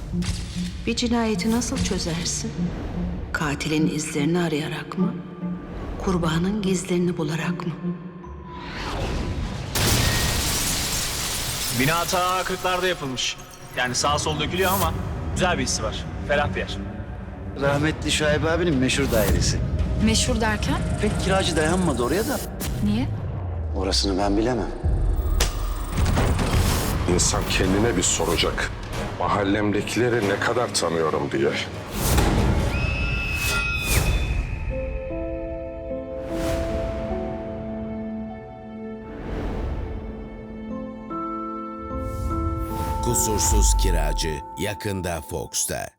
Bir cinayeti nasıl çözersin? Katilin izlerini arayarak mı? Kurbanın gizlerini bularak mı? Bina ta 40'larda yapılmış. Yani sağ sol dökülüyor ama güzel bir hissi var. Ferah bir yer. Rahmetli Şuayb abinin meşhur dairesi. Meşhur derken? Pek kiracı dayanmadı oraya da. Niye? Orasını ben bilemem. İnsan kendine bir soracak. Mahallemdekileri ne kadar tanıyorum diye. Kusursuz Kiracı yakında Fox'ta.